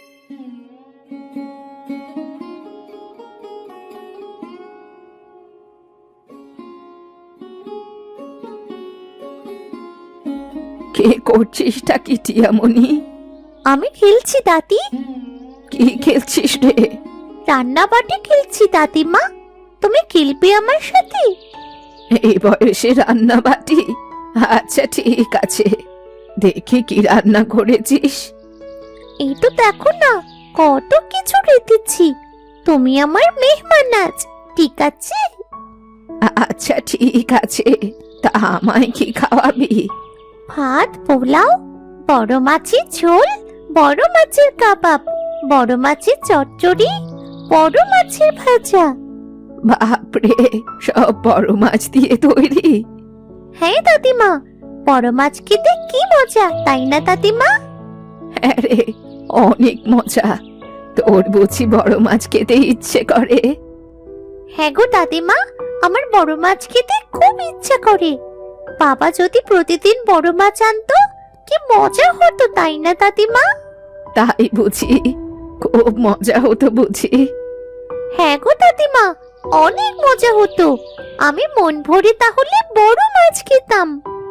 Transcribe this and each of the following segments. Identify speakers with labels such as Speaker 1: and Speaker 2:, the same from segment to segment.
Speaker 1: কে করছিসটা কি টিয়ামণি?
Speaker 2: আমি খেলছি দাদি।
Speaker 1: কি খেলছিস রে?
Speaker 2: রান্না বাটি খেলছি দাদিমা। তুমি খেলবে আমার সাথে?
Speaker 1: এই বয়সে রান্না বাটি? আচ্ছা ঠিক আছে, দেখি কি রান্না করেছিস।
Speaker 2: এই তো দেখো না, কত কিছু রেঁধেছি। তুমি আমার মেহমান আজ, ঠিক আছে?
Speaker 1: আচ্ছা ঠিক আছে, তা আমায় কি খাওয়াবি?
Speaker 2: ভাত, পোলাও, বড় মাছের ঝোল, বড় মাছের কাবাব, বড় মাছের চচ্চড়ি, বড় মাছের ভাজা।
Speaker 1: বাপরে, সব বড় মাছ দিয়ে তৈরি?
Speaker 2: হ্যাঁ দাদিমা, বড় মাছ খেতে কি মজা, তাই না দাদিমা?
Speaker 1: হ্যাঁ রে, অনেক মজা। তোর বুঝি বড় মাছ খেতে ইচ্ছে করে?
Speaker 2: হ্যাঁ গো দাদিমা, আমার বড় মাছ খেতে খুব ইচ্ছা করে। বাবা যদি প্রতিদিন বড় মাছ আনতো, কি মজা হতো, তাই না দাদিমা?
Speaker 1: তাই বুঝি? খুব মজা হতো বুঝি?
Speaker 2: হ্যাঁ গো দাদিমা, অনেক মজা হতো। আমি মন ভরে তাহলে বড় মাছ খেতাম।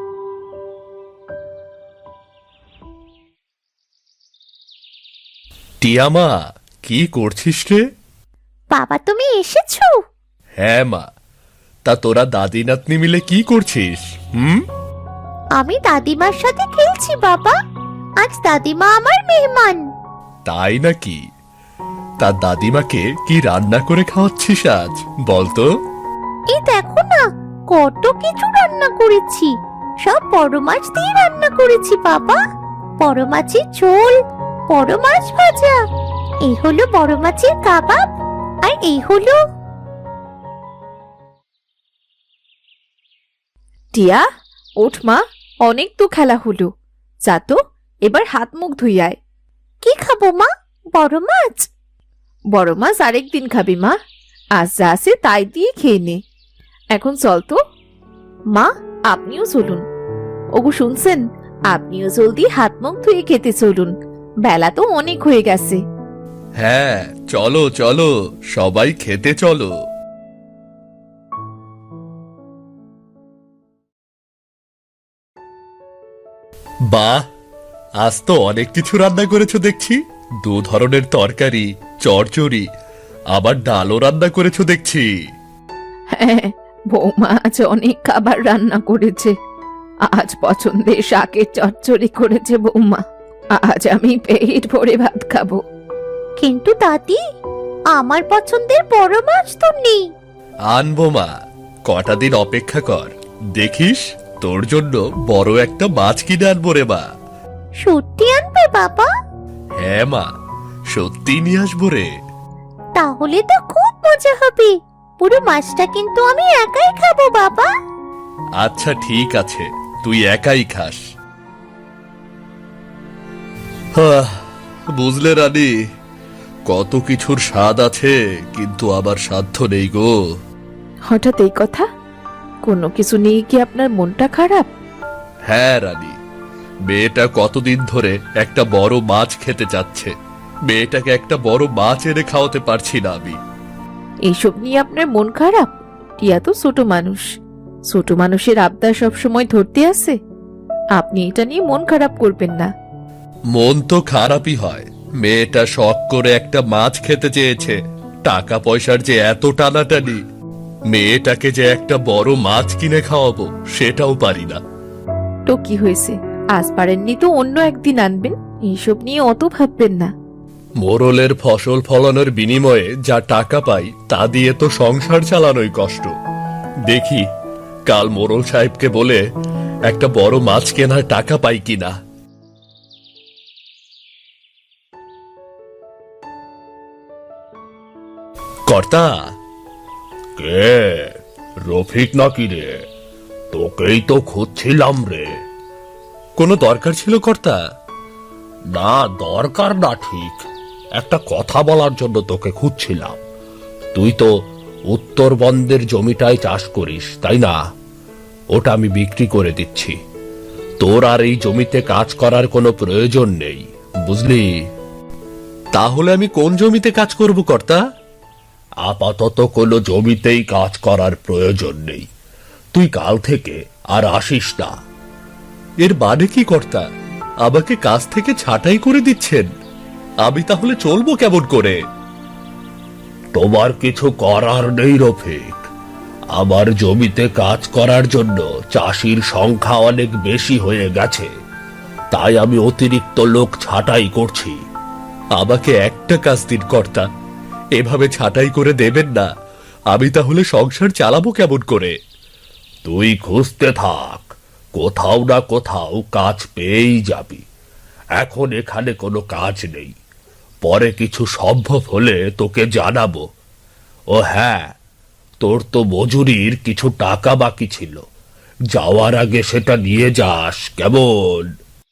Speaker 3: টিয়ামা, কি করছিস রে?
Speaker 2: বাবা তুমি এসেছো?
Speaker 3: হ্যাঁ মা, তা তোরা দাদি নাতনি মিলে কি করছিস?
Speaker 2: আমি দাদিমার সাথে খেলছি বাবা। আজ দাদিমা আমার মেহমান।
Speaker 3: তাই নাকি? তা দাদিমাকে কি রান্না করে খাওয়াচ্ছিস আজ, বলতো?
Speaker 2: এই দেখো না, কত কিছু রান্না করেছি। সব বড় মাছ দিয়ে রান্না করেছি বাবা। বড় মাছের ঝোল, বড় মাছ ভাজা, এই হলো বড় মাছের কাবাব, আর এই হলো।
Speaker 1: টিয়া, ওঠ মা, অনেক তো খেলা হলো। যা তো, এবার হাত মুখ ধুই আয়।
Speaker 2: কি খাবো মা? বড় মাছ?
Speaker 1: বড় মাছ আরেকদিন খাবি মা, আজ যা আছে তাই দিয়ে খেয়ে নে। এখন চল তো। মা, আপনিও চলুন। ওগো শুনছেন, আপনিও জলদি হাত মুখ ধুয়ে খেতে চলুন, বেলা তো অনেক হয়ে গেছে।
Speaker 3: হ্যাঁ, চলো চলো, সবাই খেতে চলো। বাহ, আজ তো অনেক কিছু রান্না করেছো দেখছি। 2 ধরনের তরকারি, চচ্চড়ি, আবার ডালও রান্না করেছো দেখছি।
Speaker 1: হ্যাঁ, বৌমা আজ অনেক খাবার রান্না করেছে। আজ পছন্দের শাকের চচ্চড়ি করেছে বৌমা। আজ আমি পেট ভরে ভাত খাবো।
Speaker 2: কিন্তু দাদি, আমার পছন্দের বড় মাছ তো নেই।
Speaker 3: আনবো মা, কটা দিন অপেক্ষা কর, দেখিস তোর জন্য বড় একটা মাছ কিনে আনবো রে মা।
Speaker 2: সত্যি আনবে বাবা?
Speaker 3: হ্যাঁ মা, সত্যি নিয়ে আসবো রে।
Speaker 2: তাহলে তো খুব মজা হবে। পুরো মাছটা কিন্তু আমি একাই খাবো বাবা।
Speaker 3: আচ্ছা ঠিক আছে, তুই একাই খাস। বুঝলে রানী, কত কিছুর স্বাদ আছে, কিন্তু আবার সাধ্য নেই গো।
Speaker 1: হঠাৎ এই কথা? কোনো কিছু নিয়ে কি আপনার মনটা খারাপ?
Speaker 3: হ্যাঁ রানী, মেয়েটা কতদিন ধরে একটা বড় মাছ খেতে চাচ্ছে। মেয়েটাকে একটা বড় মাছ এনে খাওয়াতে পারছি না আমি।
Speaker 1: এইসব নিয়ে আপনার মন খারাপ? টিয়া তো ছোট মানুষ, ছোট মানুষের আবদার সবসময় ধরতে আসে। আপনি এটা নিয়ে মন খারাপ করবেন না।
Speaker 3: মন তো খারাপই হয়, মেয়েটা শখ করে একটা মাছ খেতে চেয়েছে। টাকা পয়সার যে এত টানাটানি, মেয়েটাকে যে একটা বড় মাছ কিনে খাওয়াবো সেটাও পারি না।
Speaker 1: তো কি হয়েছে, আজ পারেননি তো অন্য একদিন আনবেন। এইসব নিয়ে অত ভাববেন না।
Speaker 3: মোরলের ফসল ফলানোর বিনিময়ে যা টাকা পাই তা দিয়ে তো সংসার চালানোই কষ্ট। দেখি কাল মোরল সাহেবকে বলে একটা বড় মাছ কেনার টাকা পাই কিনা। কর্তা। কে? রফিক নাকি রে? তোকেই তো খুঁজছিলাম রে। কোনো দরকার ছিল কর্তা? না, দরকার না ঠিক, একটা কথা বলার জন্য তোকে খুঁজছিলাম। তুই তো উত্তরবন্দের জমিটায় চাষ করিস, তাই না? ওটা আমি বিক্রি করে দিচ্ছি। তোর আর এই জমিতে কাজ করার কোনো প্রয়োজন নেই, বুঝলি? তাহলে আমি কোন জমিতে কাজ করব কর্তা? আপাতত কোনো জমিতেই কাজ করার প্রয়োজন নেই। তুই কাল থেকে আর আসিস না। এর মানে কি কর্তা? আমাকে কাজ থেকে ছাঁটাই করে দিচ্ছেন? আমি তাহলে চলবো কেমন করে? তোমার কিছু করার নেই রফিক। আমার জমিতে কাজ করার জন্য চাষির সংখ্যা অনেক বেশি হয়ে গেছে, তাই আমি অতিরিক্ত লোক ছাঁটাই করছি। আমাকে একটা কাজ দিন কর্তা, এভাবে ছাঁটাই করে দেবেন না। আমি তাহলে সংসার চালাবো কেমন করে? তুই খুঁজতে থাক, কোথাও না কোথাও কাজ পেয়েই যাবি। এখন এখানে কোনো কাজ নেই, পরে কিছু সম্ভব হলে তোকে জানাবো। ও হ্যাঁ, তোর তো মজুরির কিছু টাকা বাকি ছিল, যাওয়ার আগে সেটা নিয়ে যাস কেমন?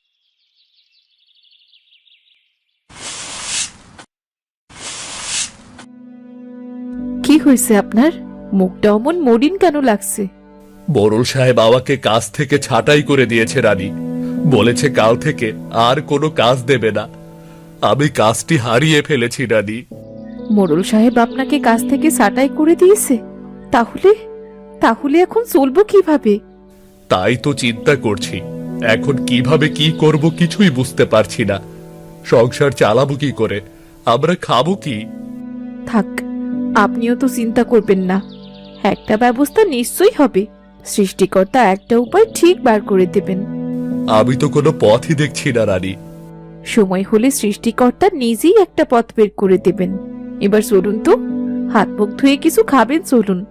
Speaker 1: কি হয়েছে আপনার? মুখটা অমন মলিন কেন লাগছে?
Speaker 3: মোড়ল সাহেব আমাকে কাজ থেকে ছাঁটাই করে দিয়েছে রানী। বলেছে কাল থেকে আর কোনো কাজ দেবে না। আমি কাজটি হারিয়ে ফেলেছি রানী।
Speaker 1: মোড়ল সাহেব আপনাকে কাজ থেকে ছাঁটাই করে দিয়েছে? তাহলে তাহলে এখন চলবো কিভাবে?
Speaker 3: তাই তো চিন্তা করছি, এখন কিভাবে কি করব কিছুই বুঝতে পারছি না। সংসার চালাবো কি করে? আমরা খাবো কি?
Speaker 1: থাক, আপনিও তো চিন্তা করবেন না, একটা ব্যবস্থা নিশ্চয়ই হবে। সৃষ্টিকর্তা একটা উপায় ঠিক বার করে দেবেন।
Speaker 3: আমি তো কোনো পথই দেখছি না রানী।
Speaker 1: সময় হলে সৃষ্টিকর্তা নিজেই একটা পথ বের করে দেবেন। এবার চলুন তো, হাত মুখ ধুয়ে কিছু খাবেন, চলুন।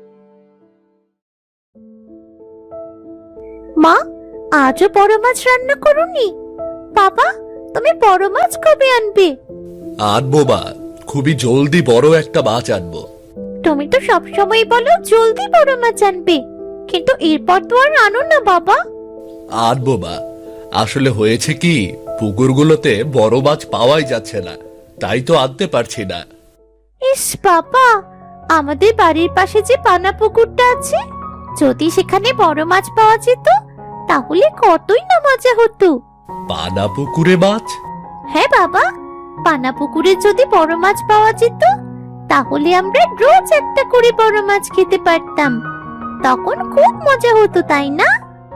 Speaker 2: মা, আজও বড় মাছ রান্না করোনি? বাবা, তুমি বড় মাছ কবে আনবে?
Speaker 3: আনবো মা, খুবই জলদি বড় একটা মাছ আনবো।
Speaker 2: তুমি তো সবসময় বলো জলদি বড় মাছ আনবে, কিন্তু এরপর তো আর আনো না বাবা।
Speaker 3: আনবো মা, আসলে হয়েছে কি, পুকুরগুলোতে বড় মাছ পাওয়াই যাচ্ছে না, তাই তো আনতে পারছি না।
Speaker 2: ইস বাবা, আমাদের বাড়ির পাশে যে পানা পুকুরটা আছে, যদি সেখানে বড় মাছ পাওয়া যেত তাহলে কতই না মজা হতো।
Speaker 3: পানা পুকুরে মাছ?
Speaker 2: হ্যাঁ বাবা, পানা পুকুরে যদি বড় মাছ পাওয়া যেত তাহলে আমরা রোজ একটা করে বড় মাছ খেতে পারতাম। তখন খুব মজা হতো, তাই না?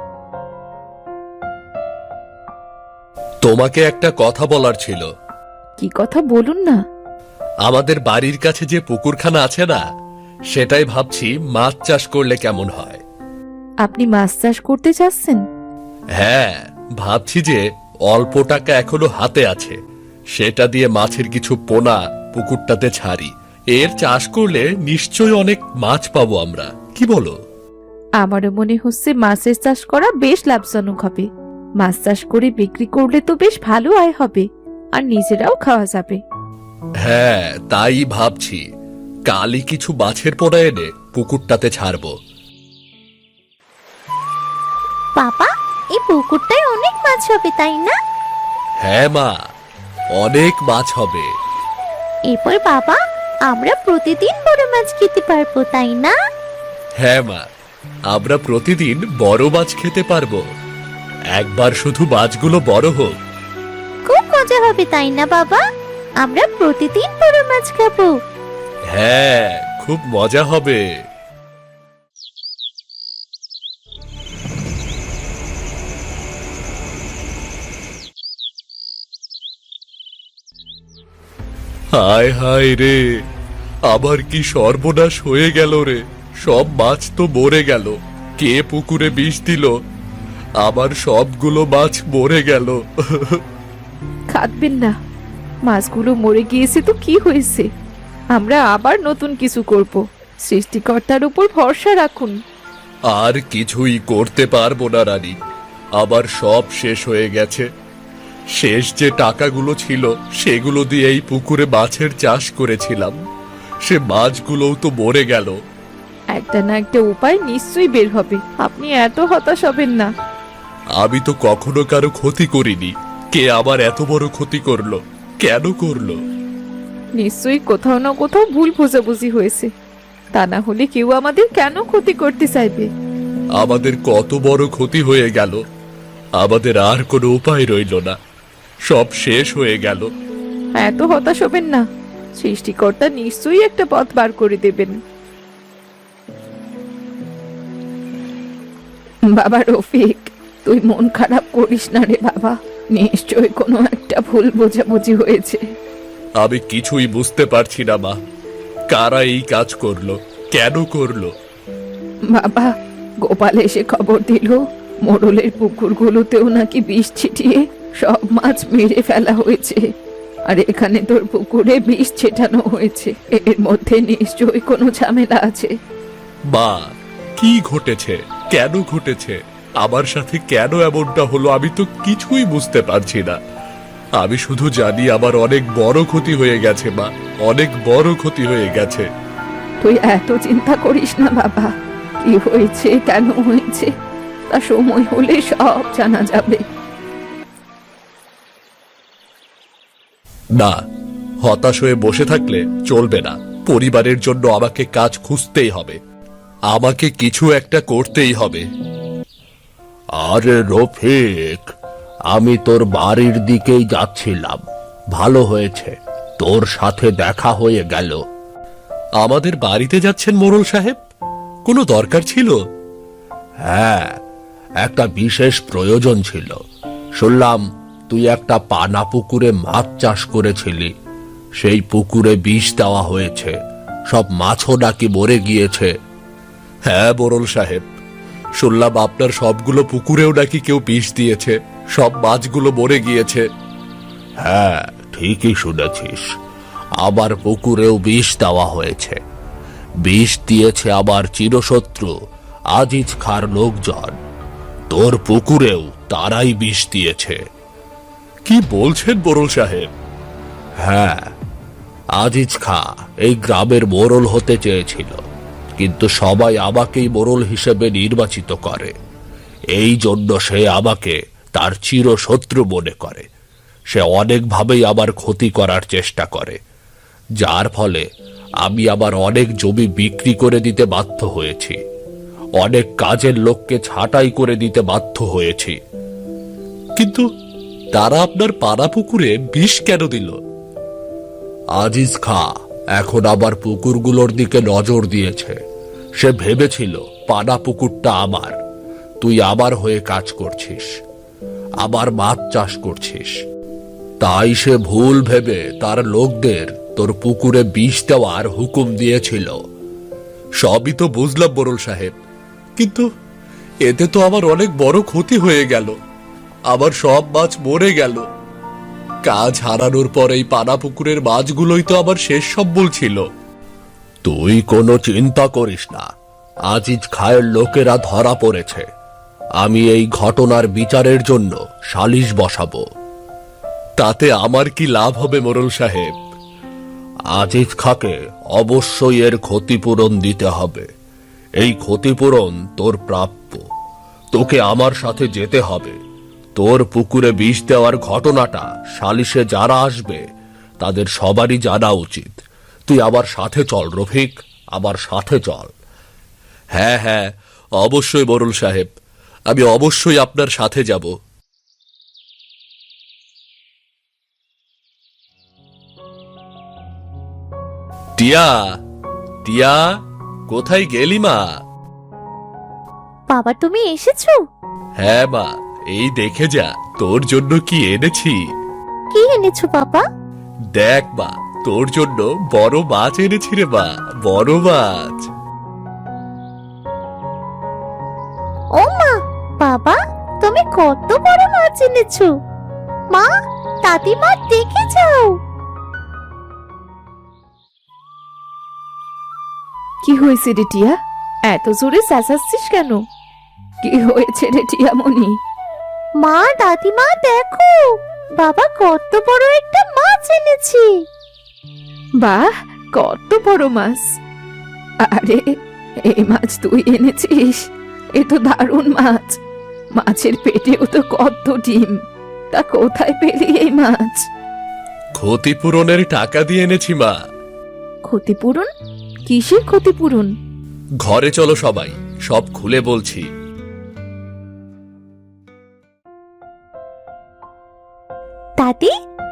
Speaker 3: তোমাকে একটা কথা বলার ছিল।
Speaker 1: কি কথা বলুন না।
Speaker 3: আমাদের বাড়ির কাছে যে পুকুরখানা আছে না, সেটাই ভাবছি মাছ চাষ করলে কেমন হয়।
Speaker 1: আপনি মাছ চাষ করতে চাচ্ছেন?
Speaker 3: হ্যাঁ, ভাবছি যে অল্প টাকা এখনো হাতে আছে, সেটা দিয়ে মাছের কিছু পোনা পুকুরটাতে ছাড়ি। এর চাষ করলে নিশ্চয়ই অনেক মাছ পাবো আমরা, কি বলো?
Speaker 1: আমারও মনে হচ্ছে মাছের চাষ করা বেশ লাভজনক হবে। মাছ চাষ করে বিক্রি করলে তো বেশ ভালো আয় হবে, আর নিজেরাও খাওয়া যাবে।
Speaker 3: হ্যাঁ, তাই ভাবছি কালই কিছু মাছের পোনা এনে পুকুরটাতে ছাড়বো।
Speaker 2: বাবা, এই পুকুরটায় অনেক মাছ হবে, তাই না?
Speaker 3: হ্যাঁ মা, অনেক মাছ হবে।
Speaker 2: এরপর বাবা, আমরা প্রতিদিন বড় মাছ খেতে পারবো, তাই না?
Speaker 3: হ্যাঁ মা, আমরা প্রতিদিন বড় মাছ খেতে পারবো। একবার শুধু মাছগুলো বড় হোক।
Speaker 2: খুব মজা হবে, তাই না বাবা? আমরা প্রতিদিন বড় মাছ খাবো।
Speaker 3: হ্যাঁ, খুব মজা হবে। হায় হায় রে, আবার কি সর্বনাশ হয়ে গেল রে। সব মাছ তো মরে গেল। কে পুকুরে বিষ দিল? আবার সবগুলো মাছ মরে গেল।
Speaker 1: খাটবেন না, মাছগুলো মরে গিয়েছে তো কি হয়েছে? আমরা আবার নতুন কিছু করব। সৃষ্টিকর্তার উপর ভরসা রাখুন।
Speaker 3: আর কিছুই করতে পারবো না রানী, আবার সব শেষ হয়ে গেছে। শেষ যে টাকাগুলো ছিল সেগুলো দিয়ে এই পুকুরে মাছের চাষ করেছিলাম, সে মাছগুলোও তো মরে গেল।
Speaker 1: একটা না একটা উপায় নিশ্চয়ই বের হবে, আপনি এত হতাশ হবেন না।
Speaker 3: আমি তো কখনো কারো ক্ষতি করিনি, কে আবার এত বড় ক্ষতি করলো? কেন করলো?
Speaker 1: নিশ্চয়ই কোথাও না কোথাও ভুল বোঝাবুঝি হয়েছে, তা না হলে কেউ আমাদের কেন ক্ষতি করতে চাইবে?
Speaker 3: আমাদের কত বড় ক্ষতি হয়ে গেল, আমাদের আর কোনো উপায় রইল না, সব শেষ হয়ে গেল।
Speaker 1: এত হতাশ হবেন না, সৃষ্টিকর্তা নিশ্চয়ই একটা পথ বার করে দেবেন। বাবা রফিক, তুই মন খারাপ করিস না রে বাবা, নিশ্চয়ই কোনো একটা ভুল বোঝাবুঝি হয়েছে।
Speaker 3: আমি কিছুই বুঝতে পারছি না মা, কারা এই কাজ করলো, কেন করলো?
Speaker 1: বাবা, গোপাল এসে খবর দিল মোড়লের পুকুরগুলোতেও নাকি বিষ ছিটিয়ে সব মাছ মেরে ফেলা হয়েছে, আর এখানে তোর পুকুরে বিষ ছেটানো হয়েছে। এর মধ্যে নিশ্চয়ই কোনো ঝামেলা আছে।
Speaker 3: মা, কি ঘটেছে, কেন ঘটেছে, আমার সাথে কেন এমনটা হলো, আমি তো কিছুই বুঝতে পারছি না। আমি শুধু জানি আমার অনেক বড় ক্ষতি হয়ে গেছে মা, অনেক বড় ক্ষতি হয়ে গেছে।
Speaker 1: তুই এত চিন্তা করিস না বাবা, কি হয়েছে কেন হয়েছে তা সময় হলে সব জানা যাবে।
Speaker 3: না, হতাশ হয়ে বসে থাকলে চলবে না। পরিবারের জন্য আমাকে কাজ খুঁজতেই হবে, আমাকে কিছু একটা করতেই হবে। আরে রফিক, আমি তোর বাড়ির দিকেই যাচ্ছিলাম, ভালো হয়েছে তোর সাথে দেখা হয়ে গেল। আমাদের বাড়িতে যাচ্ছেন মোড়ল সাহেব? কোনো দরকার ছিল? হ্যাঁ, একটা বিশেষ প্রয়োজন ছিল। শুনলাম তুই একটা পানা পুকুরে মাছ চাষ করেছিলি, সেই পুকুরে বিষ দেওয়া হয়েছে, সব মাছও নাকি মরে গিয়েছে। হ্যাঁ মোড়ল সাহেব, শুনলাম আপনার সবগুলো পুকুরেও নাকি কেউ বিষ দিয়েছে, সব মাছগুলো মরে গিয়েছে। হ্যাঁ, ঠিকই শুনেছিস, আবার পুকুরেও বিষ দেওয়া হয়েছে। বিষ দিয়েছে আবার চিরশত্রু আজিজ খাঁর লোকজন, তোর পুকুরেও তারাই বিষ দিয়েছে। কি বলছেন মোড়ল সাহেব? হ্যাঁ, আজিজ খাঁ এই গ্রামের মোড়ল হতে চেয়েছিল, কিন্তু সবাই আমাকেই মোড়ল হিসেবে নির্বাচিত করে, এই জন্য সে আমাকে তার চিরশত্রু মনে করে। সে অনেকভাবেই আমার ক্ষতি করার চেষ্টা করে, যার ফলে আমি আবার অনেক জমি বিক্রি করে দিতে বাধ্য হয়েছি, অনেক কাজের লোককে ছাঁটাই করে দিতে বাধ্য হয়েছি। কিন্তু তারা আপনার পাড়া পুকুরে বিষ কেন দিল? আজিজ খাঁ এখন আবার পুকুরগুলোর দিকে নজর দিয়েছে। সে ভেবেছিল পানা পুকুরটা আমার, তুই আমার হয়ে কাজ করছিস, আবার মাছ চাষ করছিস, তাই সে ভুল ভেবে তার লোকদের তোর পুকুরে বিষ দেওয়ার হুকুম দিয়েছিল। সবই তো বুঝলাম মোড়ল সাহেব, কিন্তু এতে তো আমার অনেক বড় ক্ষতি হয়ে গেল, আমার সব মাছ মরে গেল। কাজ হারানোর পর এই পানা পুকুরের মাছগুলোই তো আমার শেষ সম্বল ছিল। তুই কোনো চিন্তা করিস না, আজিজ খায়ের লোকেরা ধরা পড়েছে, আমি এই ঘটনার বিচারের জন্য সালিশ বসাবো। তাতে আমার কি লাভ হবে মোড়ল সাহেব? আজিজ খাঁকে অবশ্যই এর ক্ষতিপূরণ দিতে হবে, এই ক্ষতিপূরণ তোর প্রাপ্য। তোকে আমার সাথে যেতে হবে, তোর পুকুরে বিষ দেওয়ার ঘটনাটা সালিশে যারা আসবে তাদের সবারই জানা উচিত। তুই আমার সাথে চল রফিক, আমার সাথে চল। হ্যাঁ হ্যাঁ, অবশ্যই মোড়ল সাহেব, আমি অবশ্যই আপনার সাথে যাব। টিয়া, টিয়া, কোথায় গেলি মা?
Speaker 2: বাবা তুমি এসেছো?
Speaker 3: হ্যাঁ মা, এই দেখে যা তোর জন্য কি এনেছি।
Speaker 2: কি এনেছো বাবা?
Speaker 3: দেখ মা, তোর জন্য বড় মাছ এনেছি রে মা, বড় মাছ।
Speaker 2: ও মা, বাবা তুমি কত বড় মাছ এনেছো! মা, দাদিমা দেখে যাও।
Speaker 1: কি হয়েছে রে টিয়া, এত জোরে চেঁচাচ্ছিস কেন? কি হয়েছে রে টিয়ামণি?
Speaker 2: মা, দাদিমা দেখো, বাবা কত বড় একটা মাছ এনেছি।
Speaker 1: বাহ, কত বড় মাছ! আরে, এই মাছ তুই এনেছিস? এ তো দারুণ মাছ। মাছের পেটেও তো কত ডিম, তা কোথায় পেলি এই মাছ?
Speaker 3: ক্ষতিপূরণের টাকা দিয়ে এনেছি মা।
Speaker 1: ক্ষতিপূরণ? কিসের ক্ষতিপূরণ?
Speaker 3: ঘরে চলো সবাই, সব খুলে বলছি।
Speaker 2: দাদি,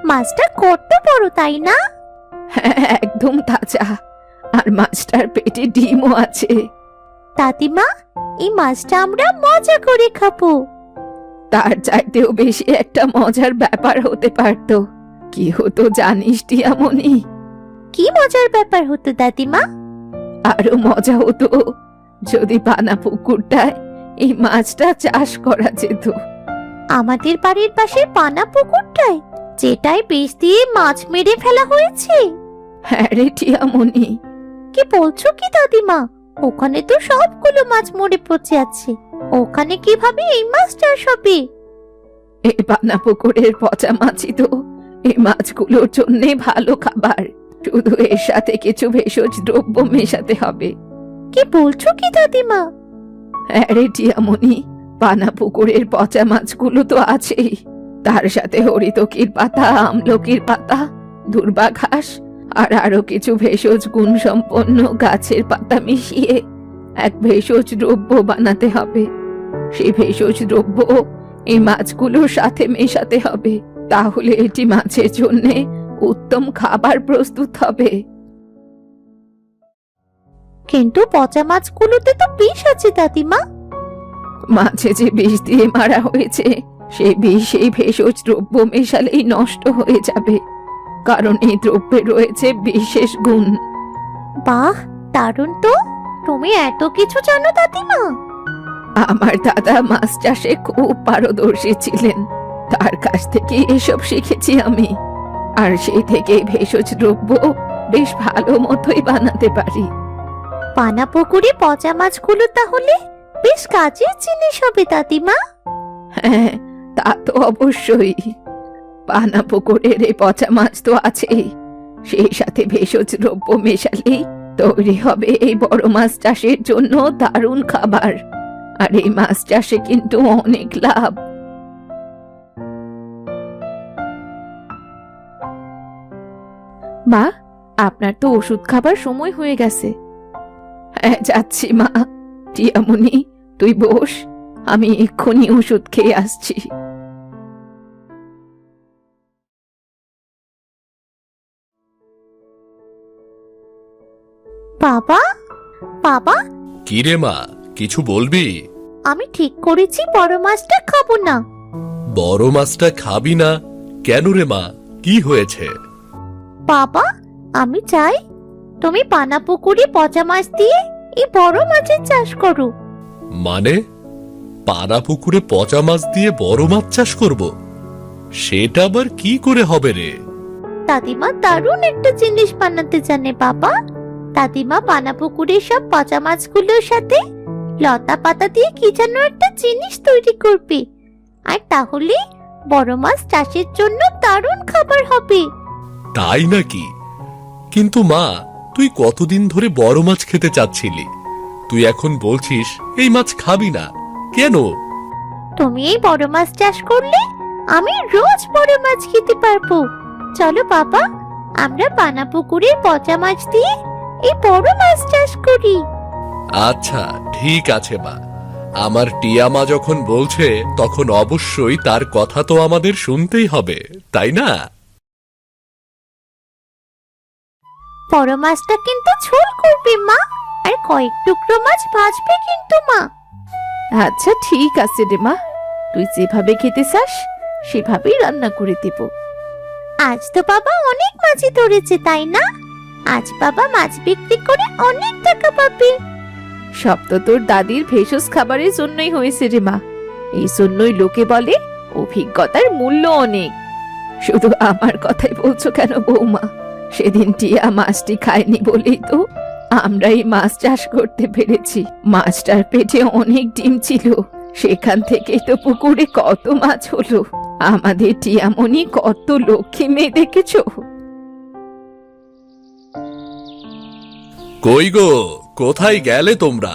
Speaker 2: মাছটা কত বড় তাই না?
Speaker 1: হ্যাঁ, একদম তাজা। আর মাছটার পেটে ডিমও আছে।
Speaker 2: দাদিমা, এই মাছটা আমরা মজা করে খাবো।
Speaker 1: তার চাইতেও বেশি একটা মজার ব্যাপার হতে পারতো। কি হতো জানিস টিয়ামণি?
Speaker 2: কি মজার ব্যাপার হতো দাদিমা?
Speaker 1: আরো মজা হতো যদি পানা পুকুরটায় এই মাছটা চাষ করা যেত।
Speaker 2: আমাদের বাড়ির পাশে পানা পুকুরটায়, যেটাই বিষ দিয়ে মাছ মেরে ফেলা হয়েছে?
Speaker 1: হ্যাঁ রে টিয়ামণি।
Speaker 2: কি বলছো কি দাদিমা? ওখানে তো সবগুলো মাছ মরে পচে আছে। ওখানে কিভাবে এই মাছ চাষ হবে?
Speaker 1: এই পানা পুকুরের পচা মাছই তো এই মাছগুলোর জন্য ভালো খাবার। শুধু এর সাথে কিছু ভেষজ দ্রব্য মেশাতে হবে।
Speaker 2: কি বলছো কি দাদিমা?
Speaker 1: হ্যাঁ রে টিয়ামণি, পানা পুকুরের পচা মাছগুলো তো আছেই, তার সাথে হরিতকির পাতা, আমলকির পাতা, দুর্বা ঘাস আর আরো কিছু ভেষজ গুণ সম্পন্ন গাছের পাতা মিশিয়ে এক ভেষজ দ্রব্য বানাতে হবে। সেই ভেষজ দ্রব্য এই মাছগুলোর সাথে মেশাতে হবে। তাহলে এটি মাছের জন্য উত্তম খাবার প্রস্তুত হবে।
Speaker 2: কিন্তু পচা মাছগুলোতে তো বিষ আছে দাদিমা।
Speaker 1: মাছে যে বিষ দিয়ে মারা হয়েছে, সেই বিষ এই ভেষজ দ্রব্য মেশালেই নষ্ট হয়ে যাবে, কারণ এই দ্রব্যে রয়েছে বিশেষ গুণ।
Speaker 2: বাহ, দারুণ তো! তুমি এত কিছু জানো দাদিমা?
Speaker 1: আমার দাদা মাছ চাষে খুব পারদর্শী ছিলেন, তার কাছ থেকে এসব শিখেছি আমি। আর সেই থেকে ভেষজ দ্রব্য বেশ ভালো মতোই বানাতে পারি।
Speaker 2: পানা পুকুরে পচা মাছগুলো তাহলে বেশ কাজের জিনিস হবে দাদিমা।
Speaker 1: হ্যাঁ, তা তো অবশ্যই। পানা পুকুরের এই পচা মাছ তো আছেই, সেই সাথে ভেষজ দ্রব্য মেশালেই তৈরি হবে এই বড় মাছ চাষের জন্য দারুণ খাবার। আর এই মাছ চাষে কিন্তু অনেক লাভ। মা, আপনার তো ওষুধ খাবার সময় হয়ে গেছে। হ্যাঁ, যাচ্ছি মা। টিয়ামণি, তুই বস, আমি এক্ষুনি ওষুধ খেয়ে আসছি।
Speaker 2: বাবা, বাবা,
Speaker 3: কি রে মা, কিছু বলবি?
Speaker 2: আমি ঠিক করেছি বড় মাছটা খাবো না।
Speaker 3: বড় মাছটা খাবি না কেন রে মা? কি হয়েছে?
Speaker 2: বাবা, আমি চাই তুমি পানা পুকুরে পচা মাছ দিয়ে এই বড় মাছের চাষ করো।
Speaker 3: মানে পানা পুকুরে পচা মাছ দিয়ে বড় মাছ চাষ করব? সেটা আবার কি করে হবে রে?
Speaker 2: দাদিমা দারুণ একটা জিনিস বানাতে জানে বাবা। দাদিমা পানা পুকুরের সব পচা মাছগুলোর সাথে লতা পাতা দিয়ে কি যেন একটা জিনিস তৈরি করবে, আর তাহলে বড় মাছ চাষের জন্য দারুণ খাবার হবে।
Speaker 3: তাই নাকি? কিন্তু মা, তুই কতদিন ধরে বড় মাছ খেতে চাচ্ছিলি, তুই এখন বলছিস এই মাছ খাবি না কেন?
Speaker 2: তুমি এই বড় মাছ চাষ করলে আমি রোজ বড় মাছ খেতে পারবো। চলো বাবা, আমরা পানা পুকুরের পচা মাছ দিয়ে এই বড় মাছ চাষ করি।
Speaker 3: আচ্ছা ঠিক আছে মা, আমার টিয়া মা যখন বলছে তখন অবশ্যই তার কথা তো আমাদের শুনতেই হবে, তাই না?
Speaker 2: বড় মাছটা কিন্তু ঝোল করবে মা, আর কয়েক টুকরো মাছ ভাজবে কিন্তু মা।
Speaker 1: আচ্ছা ঠিক আছে রে মা, তুই যেভাবে খেতে চাস সেভাবেই রান্না করে দেব।
Speaker 2: আজ তো বাবা অনেক মাছই ধরেছে তাই না? আজ বাবা মাছ বিক্রি করে অনেক টাকা পাবে।
Speaker 1: সব তো তোর দাদির ভেষজ খাবারের জন্যই হয়েছে রে মা। এই জন্যই লোকে বলে অভিজ্ঞতার মূল্য অনেক। শুধু আমার কথাই বলছো কেন বৌমা? সেদিন টিয়া মাছটি খায়নি বলেই তো আমরা এই মাছ চাষ করতে পেরেছি। মাছটার পেটে অনেক ডিম ছিল, সেখান থেকেই তো পুকুরে কত মাছ হলো। আমাদের টিয়ামণি কত লক্ষ্মী মেয়ে দেখেছো?
Speaker 3: কই গো, কোথায় গেলে তোমরা?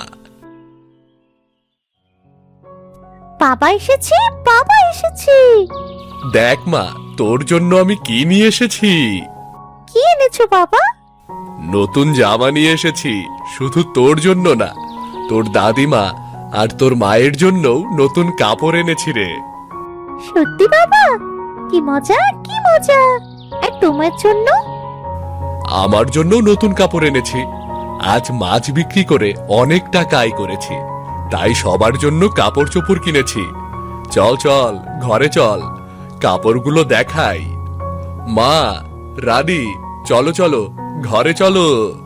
Speaker 2: বাবা এসেছে, বাবা এসেছে।
Speaker 3: দেখ মা, তোর জন্য আমি কি নিয়ে এসেছি।
Speaker 2: কি এনেছো বাবা?
Speaker 3: নতুন জামা নিয়ে এসেছি, শুধু তোর জন্য না, তোর দাদিমা আর তোর মায়ের জন্যও নতুন কাপড় এনেছি রে।
Speaker 2: সত্যি বাবা? কি কি মজা কি মজা! আর তোমার জন্য?
Speaker 3: আমার জন্য নতুন কাপড় এনেছি। আজ মাছ বিক্রি করে অনেক টাকা আয় করেছি, তাই সবার জন্য কাপড় চোপড় কিনেছি। চল চল ঘরে চল, কাপড়গুলো দেখাই। মা, রানী, চলো চলো ঘরে চলো।